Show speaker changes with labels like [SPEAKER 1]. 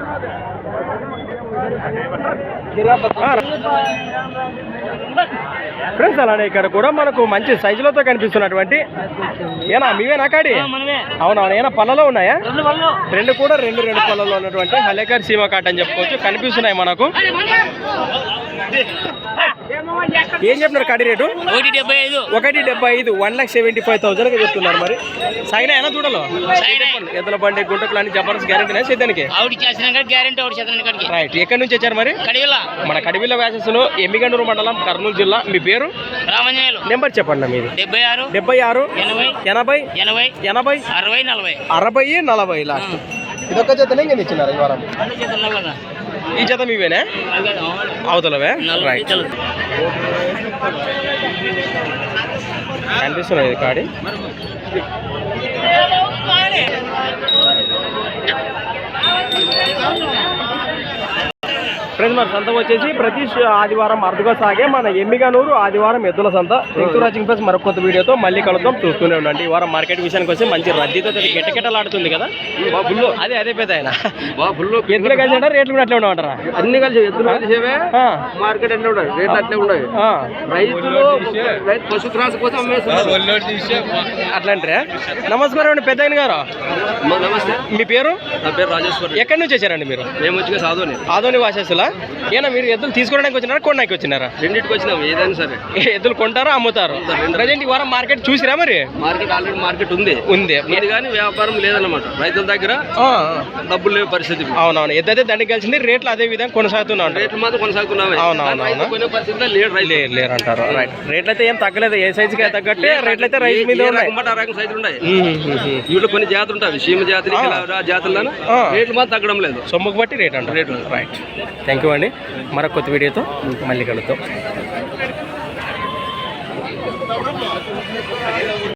[SPEAKER 1] Friends అలానే ఇక్కడ కూడా మనకు మంచి సైజులతో కనిపిస్తున్నటువంటి ఏనా మీవేనా కాడి? అవునవును. ఏనా పళ్ళలో ఉన్నాయా? రెండు కూడా రెండు పళ్ళలో ఉన్నటువంటి హలేకర్ సీమ కాట్ అని చెప్పుకోవచ్చు. కనిపిస్తున్నాయి మనకు. ఏం చెప్తున్నారు కాడి రేటు?
[SPEAKER 2] 175.
[SPEAKER 1] 1,75,000 చెప్తున్నారు. మరి సాగినా ఏనా చూడలో ఎద్దుల బండి గుంటకులు అన్ని జబర్దస్త్ గ్యారెంటీ సేద్యానికి రైట్. ఎక్కడి నుంచి వచ్చారు మరి? మన కడివిల్ల వ్యాసెస్లో ఎమ్మిగండూరు మండలం కర్నూలు జిల్లా. మీ పేరు? నెంబర్ చెప్పండి. మీరు 76 80 80 60 40 లాస్ట్. ఇదొక్క జతనే నేను ఇచ్చినారు ఈ వారం. ఈ జత మీవేనా? అవతలవే రైట్. కనిపిస్తున్నాయి కాడి. ఫ్రెండ్స్ మరి సంత వచ్చేసి ప్రతి ఆదివారం అరుదుగా సాగే మన ఎమ్మిగనూరు ఆదివారం ఎద్దుల సంత. థ్యాంక్ ప్లస్ మరొక కొత్త వీడియోతో మళ్ళీ కలుద్దాం. చూస్తూనే ఉండండి. ఈ వారం మార్కెట్ విషయానికి వస్తే మంచి రద్దీతో కెట్టకెట్టలాడుతుంది కదా. అదే పెద్ద ఆయన ఎద్దులు కలిసి అంటారా? రేట్లు కూడా అట్లే ఉండమంటారా?
[SPEAKER 3] అన్ని కలిసి ఎద్దులు కలిసేవే మార్కెట్ అట్లే ఉండదు, రేట్లు అట్లే ఉండవు. రైతులు పశు త్రాస కోసం
[SPEAKER 1] అట్లా అంటారా? నమస్కారం అండి పెద్ద ఆయన గారు.
[SPEAKER 3] నమస్తే.
[SPEAKER 1] మీ పేరు?
[SPEAKER 3] నా పేరు రాజేశ్వర్.
[SPEAKER 1] ఎక్కడి నుంచి వచ్చారండి మీరు?
[SPEAKER 3] మేము వచ్చి
[SPEAKER 1] ఆదోని వాసేసులా. ఏనా మీరు ఎద్దులు తీసుకోవడానికి వచ్చినారా కొనడానికి వచ్చినారా?
[SPEAKER 3] రెండింటికి వచ్చినాం. ఏదైనా సరే
[SPEAKER 1] ఎద్దులు కొంటారా అమ్ముతారు? ప్రజెంట్ ఈ వారం మార్కెట్ చూసిరా? మరి
[SPEAKER 3] మార్కెట్ ఆల్రెడీ మార్కెట్ ఉంది కానీ వ్యాపారం లేదన్నమాట. రైతుల దగ్గర డబ్బులు లేవు పరిస్థితి.
[SPEAKER 1] అవునవును. ఎద్దైతే దండికి కలిసింది. రేట్లు అదే విధంగా కొనసాగుతున్నాం.
[SPEAKER 3] రేట్లు మాత్రం కొనసాగుతున్నాయి.
[SPEAKER 1] అవునవును.
[SPEAKER 3] పరిస్థితిలో
[SPEAKER 1] లేరు అంటారు. రైట్. రేట్లు అయితే ఏం తగ్గలేదు. ఏ సైజుకి తగ్గట్టే రేట్లు అయితే రైతు మీద
[SPEAKER 3] సైజులు ఉన్నాయి. వీళ్ళు కొన్ని జాతులు ఉంటాయి. సీమ జాతులు జాతుల్లో రేట్లు మాత్రం తగ్గడం లేదు.
[SPEAKER 1] సొమ్ముకు బట్టి రేట్ అంటారు. రేట్లు రైట్. థ్యాంక్ యూ అండి. మరొక కొత్త వీడియోతో మళ్ళీ కలుద్దాం.